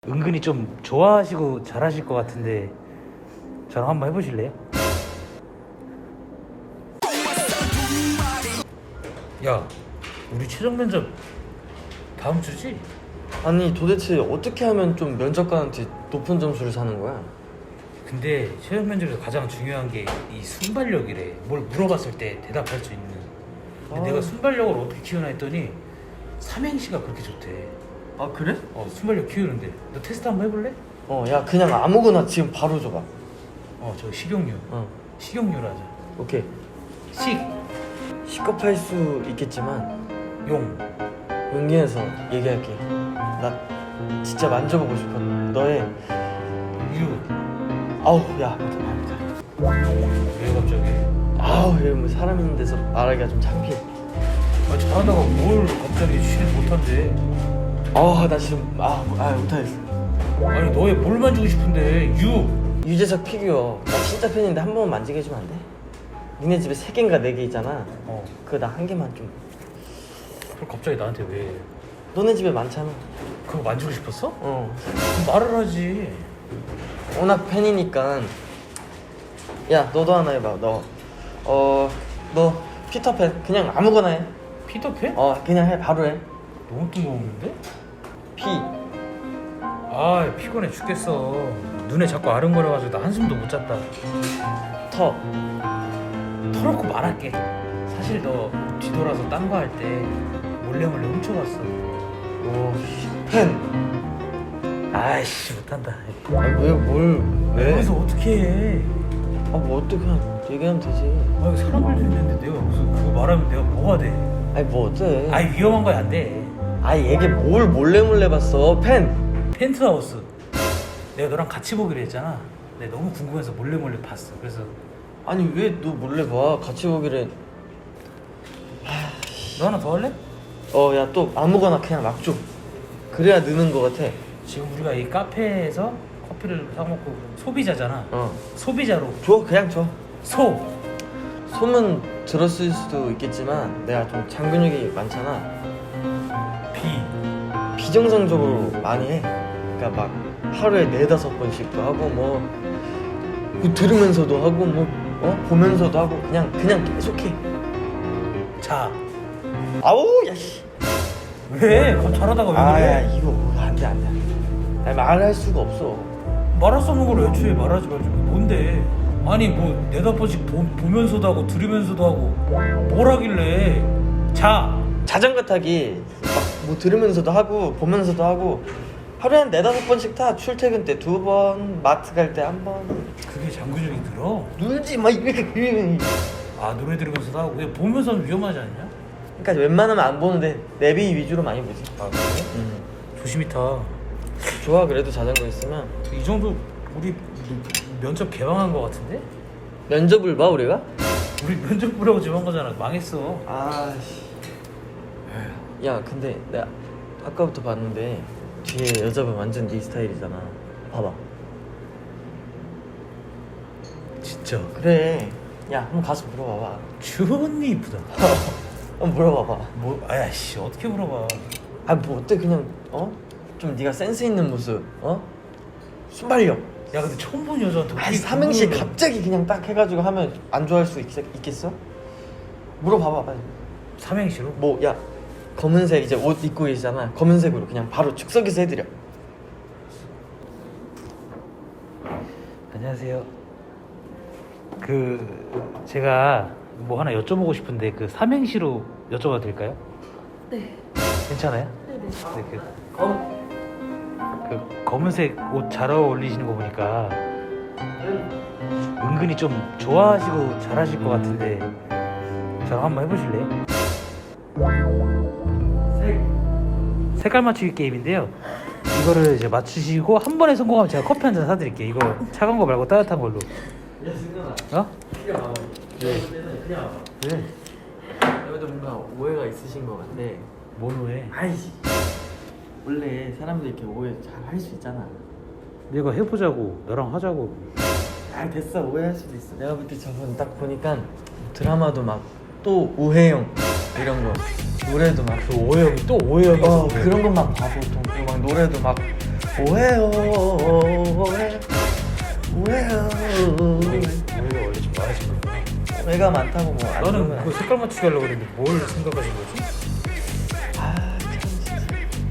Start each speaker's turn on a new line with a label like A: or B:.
A: 은근히 좀 좋아하시고 잘하실 것 같은데 저랑 한번 해보실래요? 야, 우리 최종 면접 다음 주지?
B: 아니 도대체 어떻게 하면 좀 면접관한테 높은 점수를 사는 거야?
A: 근데 최종 면접에서 가장 중요한 게 이 순발력이래. 뭘 물어봤을 때 대답할 수 있는. 근데 내가 순발력을 어떻게 키우나 했더니 삼행시가 그렇게 좋대.
B: 아 그래?
A: 순발력 키우는데 너 테스트 한번 해볼래?
B: 야 그냥 아무거나 지금 바로 줘봐.
A: 저 식용유. 식용유로 하자.
B: 오케이. 시겁할 수 있겠지만
A: 용.
B: 용기내서 얘기할게. 나 진짜 만져보고 싶어. 너의
A: 유.
B: 아우 야 못해.
A: 왜 갑자기?
B: 아우 얘 뭐 사람 있는 데서 말하기가 좀 창피해.
A: 잘하다가 뭘 갑자기 쉬를 못한대.
B: 나 지금 못하겠어.
A: 아니 너의 뭘 만지고 싶은데.
B: 유재석 피규어 나 진짜 팬인데 한 번만 만지게 해주면 안 돼? 니네 집에 3개인가 4개 있잖아. 그거 나 1개만 좀.
A: 그걸 갑자기 나한테 왜?
B: 너네 집에 많잖아.
A: 그거 만지고 싶었어?
B: 어.
A: 그럼 말을 하지.
B: 워낙 팬이니까. 야 너도 하나 해봐. 너 피터팬 그냥 아무거나 해.
A: 피터팬?
B: 그냥 해. 바로 해.
A: 너무 뜬금없는데?
B: 피.
A: 피곤해 죽겠어. 눈에 자꾸 아른거려가지고 나 한숨도 못 잤다.
B: 터.
A: 털어놓고 말할게. 사실 너 뒤돌아서 딴 거 할 때 몰래 훔쳐갔어.
B: 팬.
A: 아이씨 못한다.
B: 왜?
A: 여기서 어떻게 해?
B: 뭐 어떻게 그냥 얘기하면 되지.
A: 사람들도 있는데 내가 무슨 그거 말하면 내가 뭐가 돼?
B: 뭐 어때?
A: 위험한 거야 안 돼.
B: 얘게 뭘 몰래 봤어. 팬.
A: 펜트하우스. 내가 너랑 같이 보기로 했잖아. 내가 너무 궁금해서 몰래 봤어. 그래서
B: 아니 왜 너 몰래 봐? 같이 보기를.
A: 너 하나 더 할래?
B: 야 또 아무거나 그냥 막 줘. 그래야 느는 거 같아.
A: 지금 우리가 이 카페에서 커피를 사 먹고 소비자잖아. 소비자로
B: 그냥 줘. 소문 들었을 수도 있겠지만 내가 좀 장근육이 많잖아. 비정상적으로 많이 해. 그러니까 막 하루에 4-5번씩도 하고 뭐 들으면서도 하고 뭐 보면서도 하고 그냥 계속해.
A: 자.
B: 아우 야씨.
A: 왜? 잘하다가 왜 그래?
B: 이거 안돼. 말할 수가 없어.
A: 말할 수 없는 걸 애초에 말하지 말지. 뭔데? 아니 뭐 4-5번씩 보면서도 하고 들으면서도 하고 뭘 하길래.
B: 자전거 타기 막 뭐 들으면서도 하고 보면서도 하고 하루에 한 4-5번씩 타. 출퇴근 때 2번, 마트 갈 때 1번.
A: 그게 장근육이 들어?
B: 놀지 마 이렇게.
A: 노래 들으면서도 하고. 근데 보면서는 위험하지 않냐?
B: 그러니까 웬만하면 안 보는데 내비 위주로 많이 보지.
A: 그래? 조심히 타.
B: 좋아. 그래도 자전거 있으면.
A: 이 정도 우리 면접 개방한 거 같은데?
B: 면접을 봐 우리가?
A: 우리 면접 보라고 지금 한 거잖아. 망했어.
B: 야 근데 내가 아까부터 봤는데 뒤에 여자분 완전 네 스타일이잖아. 봐봐.
A: 진짜?
B: 그래. 야 한번 가서 물어봐봐.
A: 주언니 이쁘다.
B: 한번 물어봐봐.
A: 아야씨 어떻게 물어봐.
B: 뭐 어때 그냥 좀 네가 센스 있는 모습. 순발력.
A: 야 근데 처음 본 여자한테 어떻게
B: 삼행시 갑자기 그냥 딱 해가지고 하면 안 좋아할 수 있겠어? 물어봐봐 빨리.
A: 삼행시로?
B: 야 검은색 이제 옷 입고 계시잖아. 검은색으로 그냥 바로 즉석에서 해드려.
A: 안녕하세요. 제가 뭐 하나 여쭤보고 싶은데 삼행시로 여쭤봐도 될까요?
C: 네.
A: 괜찮아요?
C: 네네.
A: 검은색 옷 잘 어울리시는 거 보니까 은근히 좀 좋아하시고 잘하실 것 같은데 저랑 한번 해보실래요? 색깔 맞추기 게임인데요. 이거를 이제 맞추시고 한 번에 성공하면 제가 커피 한 잔 사드릴게요. 이거 차가운 거 말고 따뜻한 걸로.
B: 야 승현아.
A: 그냥 와봐.
B: 그냥 와봐.
A: 왜?
B: 여기도 뭔가 오해가 있으신 것 같아.
A: 뭔 오해?
B: 원래 사람들 이렇게 오해 잘 할 수 있잖아.
A: 내가 해보자고 너랑 하자고.
B: 됐어. 오해할 수도 있어. 내가 볼 때 저번 딱 보니까 드라마도 막 또 오해영 이런 거, 노래도 막
A: 오해영이 또 오해영이 있어.
B: 그런 것만 봐 보통. 그리고 막 노래도 막 오해요 오해요
A: 오해가 원래 좀 많아진 거야.
B: 오해가 많다고 뭐 안
A: 나는
B: 좋으면
A: 그 색깔 맞추기 하려고 그랬는데 뭘 생각하신 거지?